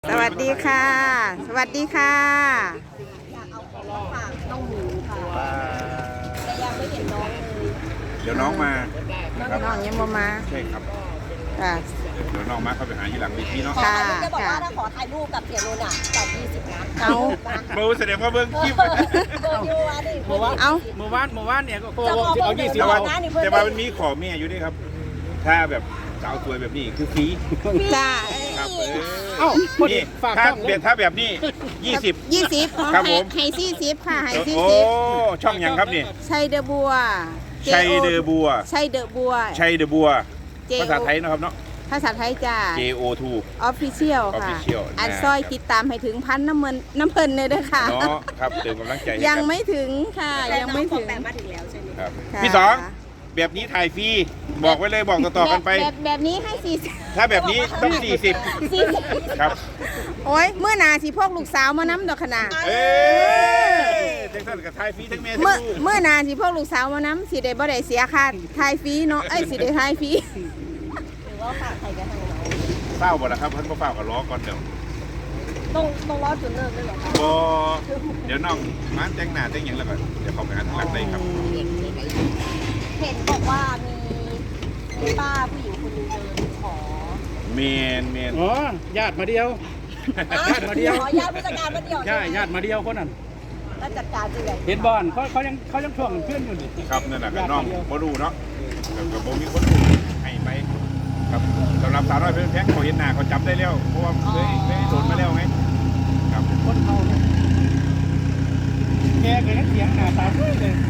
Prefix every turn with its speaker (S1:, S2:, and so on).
S1: สวัสดีค่ะ สวัสดีค่ะ
S2: อยากเอาของมาฝากน้องหมูค่ะแต่ยังไม่เห็นน้องเลย
S3: เดี๋ยวน้องมานะครับ
S1: น้องยังบ่มา
S3: ใช่ครับ
S1: ค่ะ
S3: เดี๋ยวน้องมาเขาไปหาอยู่หลังเวทีเนาะ
S2: ขอ
S1: ค่ะ
S2: ถ่ายรูปจะบอกว่าถ้าขอถ่ายรูปกับเสียโนนอ่ะจ่าย20 นะ
S1: เอา
S3: โอ้แสดงว่าเบิ้งคลิป
S2: เบอร์ยูอ่ะดิ
S1: เอา
S4: เมื่อวานเนี่ยก็โค
S2: จะบอก
S4: เอา20
S3: แต่ว่า
S4: เอา
S3: แต่ว่ามันมีขอแม่อยู่ด้วยครับ ถ้าแบบสาวสวยแบบนี้คือฟรี
S1: จ้า
S3: ครับ
S4: เอ้าพอดี
S3: นี่
S4: ฝาก
S3: ถ้า
S4: ช่องเล
S3: แบ
S4: ย
S3: บถ้าแบบนี้20
S1: 20
S3: ครับผม
S1: ให้40ค่ะให้
S3: โอ้ช่องหยังครับนี่
S1: 40ชัยเดอะบัว
S3: ชัยเดอบัว
S1: ชัยเดอะบัว
S3: ชัยเดอบัว
S1: JO
S3: ภาษาไทยนะครับเนาะ
S1: ภาษาไทยจ้า
S3: JO2
S1: Official ค่ะ
S3: Official
S1: อันซอยติดตามให้ถึงพันน้ำเพิ่นเลยเด้อค่ะ
S3: เนาะครับเติมกำลังใจให้
S1: ยัง
S3: กัน
S1: ไม่ถึงค่ะ
S2: แต่
S1: ยัง
S2: น้อง
S1: ไม่
S2: ขอ
S1: ถึง
S2: แปะมาถึงแล้วใช่ไหม
S3: ครับ
S1: ค่ะ
S3: พี่สองแบบนี้ถ่ายฟรีบอกไว้เลยบอกต่อๆกันไป
S1: แบบนี้ให้40
S3: ถ้าแบบนี้ต้อง40ครับ
S1: โอ้ยเมื่อหนาสิพวกลูกสาวมาน้ำดอกขนาด
S3: เอ้ยจังซั่นกับถ่ายฟรีทั้งแม่ทั้ง
S1: เมื่อ
S3: ลูก
S1: เมื่อนานสิพวกลูกสาวมาน้ำสิได้บ่ได้เสียค่าทายฟรีเนาะสิได้ทายฟรี
S2: หรือว่าฝากใครกันทางน้อง
S3: เศร้าบ่ล่ะครับเพิ่นบ่เฝ้าก็รอก่อนเดี๋ยว
S2: ต้องรอจุดเริ่มด้วยเหรอคะ
S3: บ่เดี๋ยวน้องมาแต่งหน้าแต่งหยังแล้วก็เดี๋ยวเขาไปหาทางหลังได้ครับ
S2: เห็นบอกว่ามีป้าผู้หญิงคนหนึงเดินขอ
S3: เมน
S4: อ๋อญาติมาเดียว ญาติมาเดียว
S2: ขอญาติผู้จัดการมาเดียว
S4: ใช่ญาติมาเดียวคนนั้น
S2: แล้วจัดการยังไง
S4: เห็นบอลเขายังช่วงเพื่อนอยู่นี่
S3: ครับนั่นน่ะก็น้องบ่รู้เนาะก็บ่มีคนรู้ให้ไปครับสำหรับสาวน้อยเพิ่นแพงเขาเห็นหน้าเขาจำได้แล้วเพราะว่าเคยโดนมาแล้วไงครับ
S4: คนเขาเนี่ยแกก็ยังเสียงหน้าตาสวยเลย